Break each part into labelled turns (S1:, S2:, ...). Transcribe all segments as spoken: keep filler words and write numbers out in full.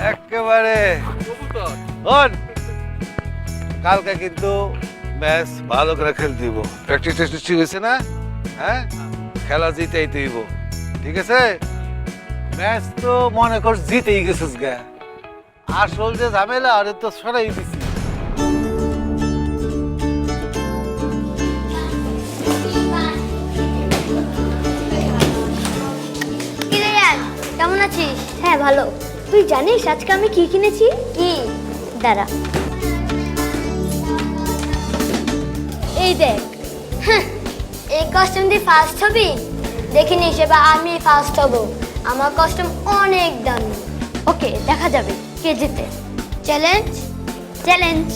S1: একেবারে হন কালকে কিন্তু ম্যাচ ভালো করে খেলতে দিব প্র্যাকটিস টেস্টিস ঠিক হয়েছে না হ্যাঁ খেলা জিতেই দিব ঠিক আছে ম্যাচ তো মনে কর জিতেই গেছিস গা আসল যে ঝামেলা আরে তো সরাই দিছি
S2: কিরে ইয়ার কেমন আছিস? হ্যাঁ ভালো। তুই জানিস আজকে আমি কি কিনেছি? কি? দাঁড়া। এই দেখ। হ্যাঁ, এই কস্টিউম দিয়ে ফার্স্ট হবি? দেখিনি সেবা আমি ফার্স্ট হব। আমার কস্টিউম অনেক দামি। ওকে দেখা যাবে কে জিতে। চ্যালেঞ্জ চ্যালেঞ্জ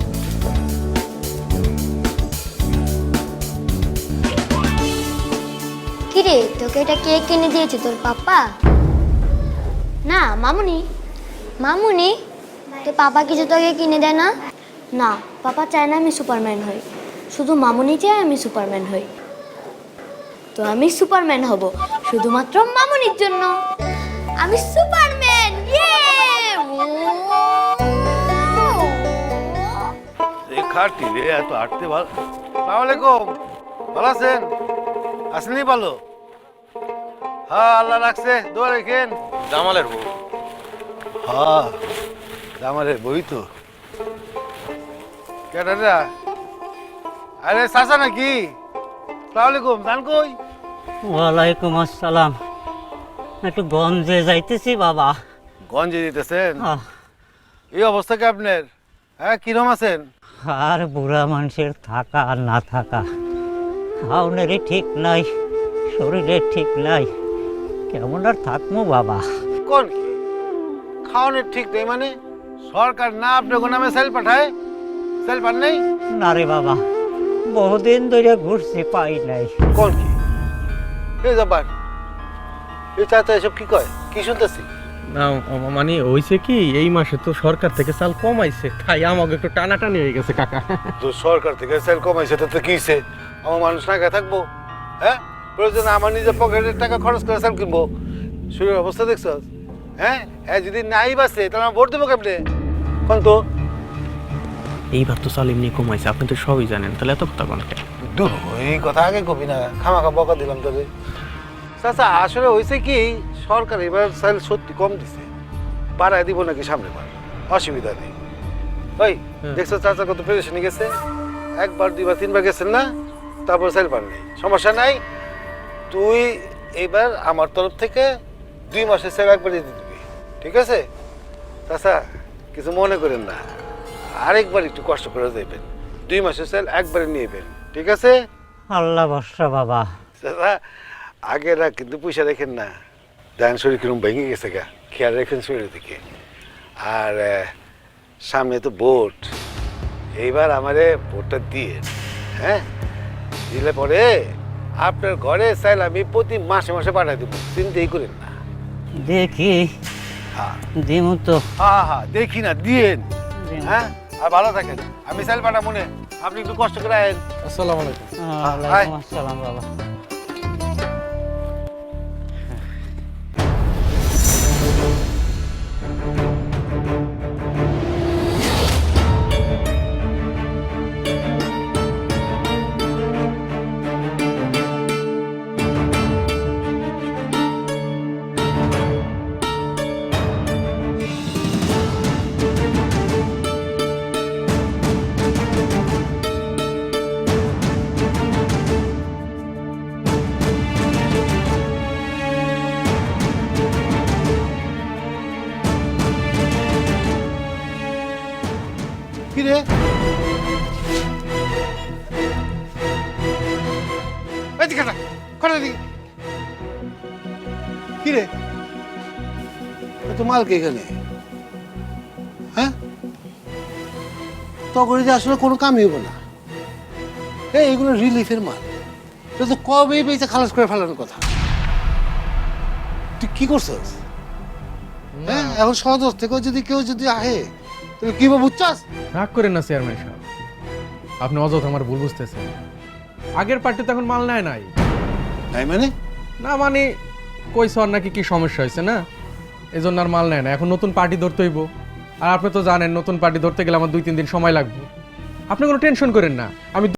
S2: কিরে তোকে এটা কে কিনে দিয়েছে তোর পাপা? না মামুনি। মামুনি তোর পাপা কিছু তোকে কিনে দেয় না? না পাপা চায় না আমি সুপারম্যান হই, শুধু মামুনি চায় আমি সুপারম্যান হই। তো আমি সুপারম্যান হব শুধুমাত্র মামুনির জন্য। আমি সুপারম্যান। ইয়ে
S1: খাটি রে এত আটতে ভালো সালাম আলাইকুম ভালো আছেন আসেনি ভালো হ্যাঁ আল্লাহ রাখছে দোয়া রেখেন
S3: জামালের বউ
S1: হ্যাঁ জামালের বই তো কেটারা আরে চাচা নাকি সালাম আলাইকুম জান কই
S4: ওয়ালাইকুম আসসালাম। একটু গঞ্জে যাইতেছি বাবা।
S1: গঞ্জে দিতেছেন
S4: আহ,
S1: এই অবস্থা কি আপনার হ্যাঁ কিরম আছেন
S4: আর বুড়া মানুষের থাকা আর না থাকা, খাওনেরই ঠিক নাই, শরীরের ঠিক নাই, কেমন আর থাকবো বাবা।
S1: কোন কি খাওয়ানোর ঠিক নেই মানে সরকার না আপনার নামে সেল পাঠায় সেল পান নেই
S4: না রে বাবা, বহুদিন ধরে ঘুরছি পাই নাই।
S1: কোন কি এই ব্যাপার এই চাচা এসব কি কয় কি শুনতেছি
S3: না মানে হইছে কি এই মাসে তো সরকার থেকে চাল কমাইছে তাই আমাকে একটু টানাটানি হয়ে গেছে কাকা।
S1: তো সরকার থেকে সেল কমাইছে তাতে কি হইছে আমার মানুষ না খেয়ে থাকবো হ্যাঁ প্রয়োজনে আমার নিজের পকেটের টাকা খরচ করে সেল কিনবো শরীরের অবস্থা দেখছ হ্যাঁ হ্যাঁ যদি নাই বাসে তাহলে আমার ভোট দেবো কেমনে কোন তো
S3: এইবার তো চাল এমনি কমাইছে আপনি তো সবই জানেন তাহলে এত কথা বলেন
S1: দূর এই কথা আগে কবি না খামাখা বকা দিলাম তবে চাচা আসলে হয়েছে কি সরকার এবার সেল সত্যি কম দিছে বাড়ায় দিব নাকি সামনে বার অসুবিধা নেই ওই দেখছো চাচা কত পেরেশানি গেছে একবার দুইবার তিনবার গেছেন না তারপর সেল পান নেই সমস্যা নাই তুই এবার আমার তরফ থেকে দুই মাসের সেল একবারই দিয়ে দিবি ঠিক আছে চাচা কিছু মনে করেন না আরেকবার একটু কষ্ট করে দেবেন দুই মাসের সেল একবারে নিয়েবেন ঠিক আছে
S4: আল্লাহ বর্ষা বাবা।
S1: দাদা আগেরা কিন্তু পয়সা রেখেন না ডান শরীর কিরম ভেঙে গেছে গা খেয়াল রেখেন শরীরের দিকে আর সামনে তো ভোট এইবার আমারে ভোটটা দিয়ে হ্যাঁ দিলে পরে আপনার ঘরে চাইলে আমি প্রতি মাসে মাসে পাঠাই দেবো চিন্তাই করেন না
S4: দেখি
S1: হ্যাঁ
S4: দিমু তো।
S1: হ্যাঁ হ্যাঁ দেখি না দিয়েন হ্যাঁ আর ভালো থাকেন আমি চাইল পাঠা মনে আপনি একটু কষ্ট করে আয়েন
S3: আসসালামু আলাইকুম।
S4: ওয়ালাইকুম আসসালাম বাবা।
S1: কি রে এদিকে না খড়া দিকে কি রে তো মালকে এখানে হ্যাঁ তখন যে আসলে কোনো কামই হবো না এই এগুলো রিলিফের মাল এটা তো কবেই পেয়েছে খালাস করে ফেলানোর কথা তুই কি করছিস হ্যাঁ এখন সদর থেকেও যদি কেউ যদি আহে তুমি কি বুঝছাস
S5: রাগ করেন না চেয়ারম্যান সাহেব, আপনি অযথা আমার ভুল বুঝতেছেন। আগের পার্টি তো এখন মাল নেয় নাই।
S1: নাই মানে
S5: না মানে কইছ আর নাকি কি সমস্যা হয়েছে না, এই জন্য আর মাল নেয় না। এখন নতুন পার্টি ধরতে হইব, আর আপনি তো জানেন নতুন পার্টি ধরতে গেলে আমার দুই তিন দিন সময় লাগবে। আপনি কোনো টেনশন করেন না, আমি